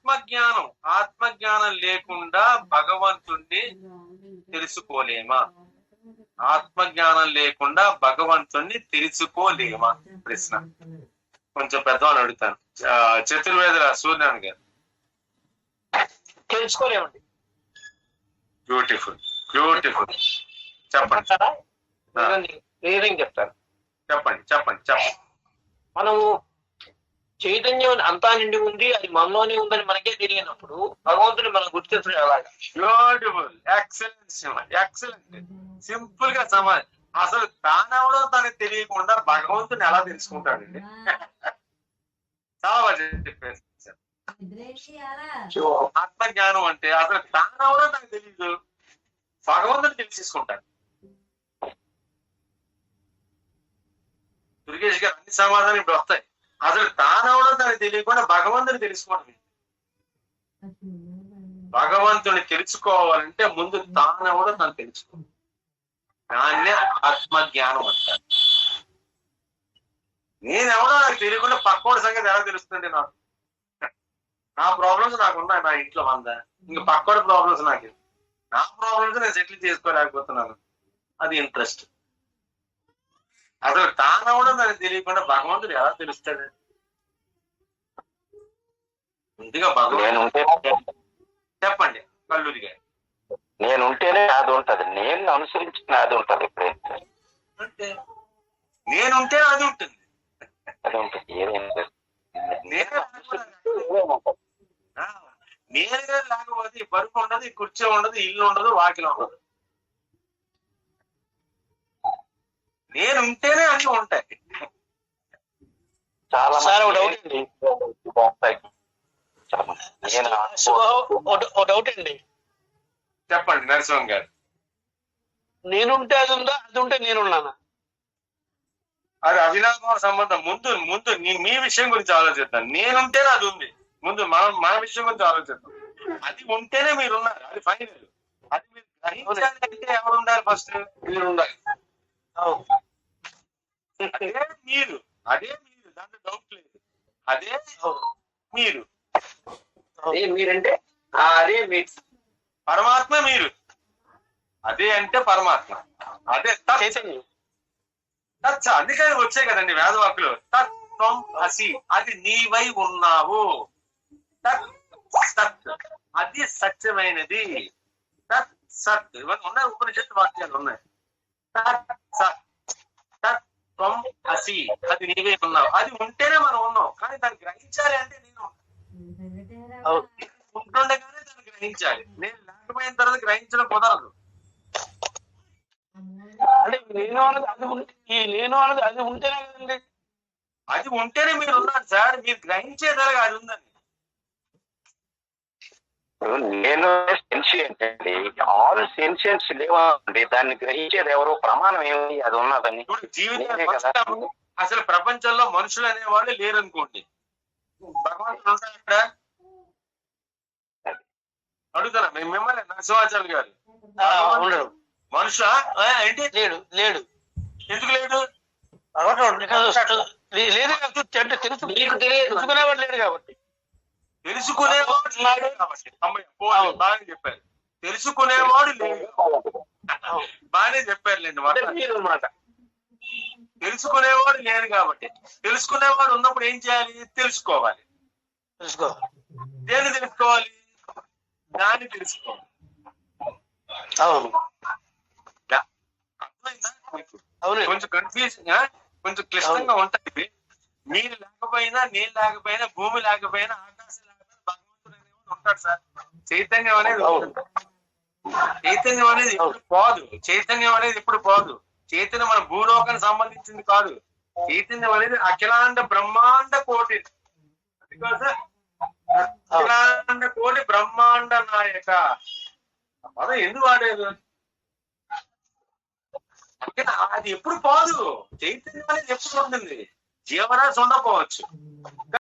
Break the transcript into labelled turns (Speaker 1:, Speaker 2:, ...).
Speaker 1: ఆత్మజ్ఞానం ఆత్మజ్ఞానం లేకుండా భగవంతుణ్ణి తెలుసుకోలేమా? ఆత్మజ్ఞానం లేకుండా భగవంతుణ్ణి తెలుసుకోలేమా? ప్రశ్న కొంచెం పెద్దవాళ్ళు అడుగుతాను. చతుర్వేదుల సూర్యనారాయణ గారు.
Speaker 2: తెలుసుకోలేమండి.
Speaker 1: Beautiful beautiful. చెప్పండి.
Speaker 2: చెప్తాను.
Speaker 1: చెప్పండి చెప్పండి చెప్పండి.
Speaker 2: మనము చైతన్యం అంతా నిండి ఉంది, అది మనలోనే ఉందని మనకే తెలియనప్పుడు భగవంతుని మనం గుర్తించడం ఎలాగా?
Speaker 1: Beautiful, excellent, excellent. సింపుల్ గా సమాధానం. అసలు తానెవడో తనకు తెలియకుండా భగవంతుని ఎలా తెలుసుకుంటాడండి? చాలా బాగా చెప్పేసి ఆత్మజ్ఞానం అంటే అసలు తానెవడో నాకు తెలియదు, భగవంతుని తెలిసేసుకుంటాడు. దుర్గేష్ గారు అన్ని సమాధానం ఇప్పుడు వస్తాయి. అసలు తానెవడో తనకు తెలియకుండా భగవంతుని తెలుసుకోవడం. భగవంతుని తెలుసుకోవాలంటే ముందు తానెవడో తను తెలుసుకో, దాన్నే ఆత్మజ్ఞానం అంటారు. నేనెవడో నాకు తెలియకుండా పక్కోడి సంగతి ఎలా తెలుస్తుంది? నాకు నా ప్రాబ్లమ్స్ నాకు ఉన్నాయి, నా ఇంట్లో 100. ఇంక పక్కోడి ప్రాబ్లమ్స్ నాకు, నా ప్రాబ్లమ్స్ నేను సెటిల్ చేసుకోలేకపోతున్నాను. అది ఇంట్రెస్ట్. అసలు తానెవడో నాకు తెలియకుండా భగవంతుడు ఎలా తెలుస్తాడు? ముందుగా భగవంతుడు చెప్పండి కల్లూరి గారు.
Speaker 3: నేనుంటేనే అది ఉంటది, నేను అనుసరించిన అది ఉంటది. ఎప్పుడైతే
Speaker 1: అంటే నేనుంటే అది ఉంటుంది,
Speaker 3: అది ఉంటుంది.
Speaker 1: నేరుగా లేకపోతే బరువు ఉండదు, కుర్చీ ఉండదు, ఇల్లు ఉండదు, వాకిలు ఉండదు. నేనుంటేనే అన్ని ఉంటాయి.
Speaker 3: చాలా
Speaker 2: డౌట్ అండి. డౌట్ అండి.
Speaker 1: చెప్పండి నరసింహం గారు.
Speaker 2: నేనుంటే అది ఉందా, అది ఉంటే నేనున్నానా?
Speaker 1: అది అవినాభావ సంబంధం. ముందు మీ విషయం గురించి ఆలోచిద్దాం. నేనుంటేనే అది ఉంది. ముందు మన విషయం గురించి ఆలోచిద్దాం. అది ఉంటేనే మీరు ఉన్నారు, అది ఫైనల్. అది మీరు గ్రహించాలి అంటే ఎవరు ఉండాలి? ఫస్ట్ మీరు ఉండాలి. అదే మీరు దాంట్లో డౌట్ లేదు. అదే మీరు.
Speaker 2: మీరంటే అదే మీరు.
Speaker 1: పరమాత్మ మీరు. అదే అంటే పరమాత్మ. అదే
Speaker 2: చైతన్యం.
Speaker 1: అందుకని వచ్చాయి కదండి వేదవాకులు. తత్వం అసి, అది నీవై ఉన్నావు. తత్ సత్, అది సత్యమైనది. తత్ సత్, ఇవన్నీ ఉన్నాయి, ఉపనిషత్తు వాక్యాలు ఉన్నాయి. తత్ సత్, తత్వం అసి, అది నీవై ఉన్నావు. అది ఉంటేనే మనం ఉన్నాం. కానీ దాన్ని గ్రహించాలి అంటే నేను ఉంటుండగానే దాన్ని గ్రహించాలి. నేను లేకపోయిన తర్వాత గ్రహించడం కుదరదు.
Speaker 2: అంటే నేను అన్నది అది ఈ నేను అన్నది అది ఉంటేనే కదండి.
Speaker 1: అది ఉంటేనే మీరు ఉన్నారు సార్. మీరు గ్రహించేదలగా అది ఉందని.
Speaker 3: నేను సెన్షియంట్ అండి. ఆల్ సెన్షియన్స్ లేవండి. దాన్ని గ్రహించేది ఎవరో ప్రమాణం ఏమి అది ఉన్నదని.
Speaker 1: ఇప్పుడు జీవితం అసలు ప్రపంచంలో మనుషులు అనేవాళ్ళు లేరనుకోండి, భగవంతుడు ఉంటాడా? అడుగుతారా మిమ్మల్ని నరసింహాచార్య గారు?
Speaker 2: ఉండడు.
Speaker 1: మనుషుల ఏంటి?
Speaker 2: లేడు. లేడు.
Speaker 1: ఎందుకు లేడు?
Speaker 2: తెలుసుకునేవాడు లేడు కాబట్టి.
Speaker 1: తెలుసుకునేవాడు లేడు కాబట్టి. బాగానే చెప్పారు. తెలుసుకునేవాడు లేడు. బాగానే చెప్పారులేండి మాట. తెలుసుకునేవాడు లేడు కాబట్టి. తెలుసుకునేవాడు ఉన్నప్పుడు ఏం చేయాలి? తెలుసుకోవాలి. దేన్ని తెలుసుకోవాలి? దాన్ని తెలుసుకోవాలి.
Speaker 2: అవును.
Speaker 1: కొంచెం కన్ఫ్యూజన్, కొంచెం క్లిష్టంగా ఉంటాయి. మీరు లేకపోయినా, నేను లేకపోయినా, భూమి లేకపోయినా, ఆకాశం లేకపోయినా భగవంతుడు అనేవాడు ఉంటాడు సార్. చైతన్యం అనేది ఎప్పుడు పోదు. చైతన్యం అనేది ఎప్పుడు పోదు. చైతన్యం మన భూలోకానికి సంబంధించింది కాదు. చైతన్యం అనేది అఖిలాండ బ్రహ్మాండ కోటి. అఖిలాండ కోటి బ్రహ్మాండ నాయక పదం ఎందుకు వాడేది? అది ఎప్పుడు పోదు. చైతన్యం అనేది ఎప్పుడు ఉంటుంది. జీవరాశి ఉండకపోవచ్చు.